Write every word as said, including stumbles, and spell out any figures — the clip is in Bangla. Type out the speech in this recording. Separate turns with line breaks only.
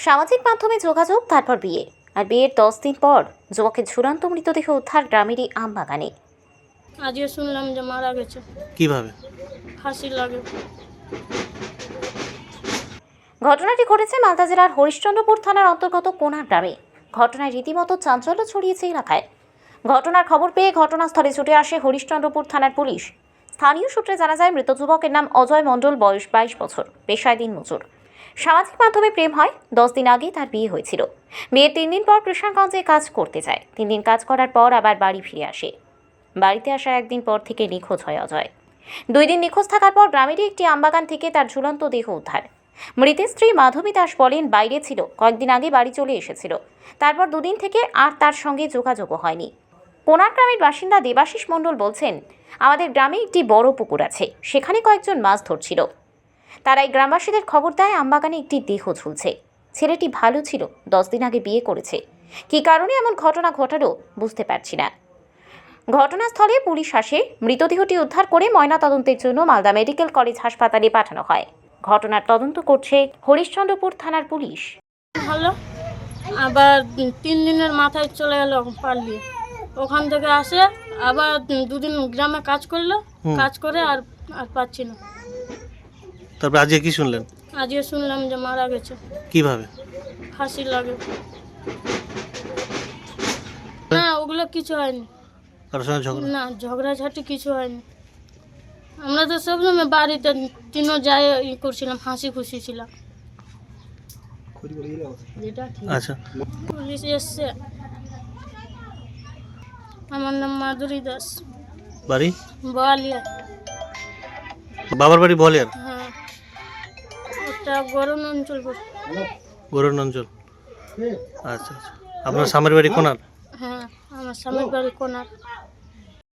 সামাজিক মাধ্যমে যোগাযোগ, তারপর বিয়ে, আর বিয়ের দশ দিন পর যুবকের ঝুলন্ত মৃতদেহ উদ্ধার গ্রামেরই আমবাগানে।
আজকে শুনলাম যে মারা গেছে।
কিভাবে?
ফাঁসি লাগে।
ঘটনাটি ঘটেছে মালদা জেলার হরিশ্চন্দ্রপুর থানার অন্তর্গত কোনার গ্রামে। ঘটনায় রীতিমতো চাঞ্চল্য ছড়িয়েছে এলাকায়। ঘটনার খবর পেয়ে ঘটনাস্থলে ছুটে আসে হরিশ্চন্দ্রপুর থানার পুলিশ। স্থানীয় সূত্রে জানা যায়, মৃত যুবকের নাম অজয় মণ্ডল, বয়স বাইশ বছর, পেশায় দিনমজুর। সামাজিক মাধ্যমে প্রেম হয়। দশ দিন আগে তার বিয়ে হয়েছিল। বিয়ের তিন দিন পর কৃষ্ণগঞ্জে কাজ করতে যায়। তিন দিন কাজ করার পর আবার বাড়ি ফিরে আসে। বাড়িতে আসার একদিন পর থেকে নিখোঁজ হয় অজয়। দুই দিন নিখোঁজ থাকার পর গ্রামেরই একটি আমবাগান থেকে তার ঝুলন্ত দেহ উদ্ধার। মৃতের স্ত্রী মাধবী দাস বলেন, বাইরে ছিল, কয়েকদিন আগে বাড়ি চলে এসেছিল। তারপর দুদিন থেকে আর তার সঙ্গে যোগাযোগও হয়নি। কোনার গ্রামের বাসিন্দা দেবাশিস মণ্ডল বলছেন, আমাদের গ্রামে একটি বড় পুকুর আছে, সেখানে কয়েকজন মাছ ধরছিল। তারাই গ্রামবাসীদের খবর দেয় আমবাগানে একটি দেহ ঝুলছে। ছেলেটি ভালো ছিল, দশ দিন আগে বিয়ে করেছে। কী কারণে এমন ঘটনা ঘটালো বুঝতে পারছি না। ঘটনাস্থলে পুলিশ আসে। মৃতদেহটি উদ্ধার করে ময়নাতদন্তের জন্য মালদা মেডিকেল কলেজ হাসপাতালে পাঠানো হয়। ঘটনার তদন্ত করছে হরিশ্চন্দ্রপুর থানার পুলিশ।
ভালো, আবার তিন দিনের মাথায় চলে গেল পালিয়ে। ওখান থেকে আসে আবার দুদিন গ্রামে কাজ করলো।
হুম।
কাজ করে আর আর পাচ্ছি না।
তারপর আজকে কি শুনলেন?
আজকে শুনলাম যে মারা গেছে।
কিভাবে?
ফাঁসি লাগে। না, ওগুলো কিছু হয়নি।
কারোর সঙ্গে ঝগড়া?
না, ঝগড়াঝাটি কিছু হয়নি। আমরা তো সবসময় বাড়িতে তিনও যাই ই করছিলাম, হাসি খুশি ছিলাম।
আচ্ছা,
পুলিশ এসছে। আমার নাম মাধুরী দাস,
বাড়ি?
বোয়ালিয়া।
বাবার বাড়ি বলে? আর
হ্যাঁ, একটা গরম অঞ্চল করে।
গরুর অঞ্চল। আচ্ছা আচ্ছা, আপনার স্বামীর বাড়ি কোনার?
হ্যাঁ, আমার স্বামীর বাড়ি কোনার।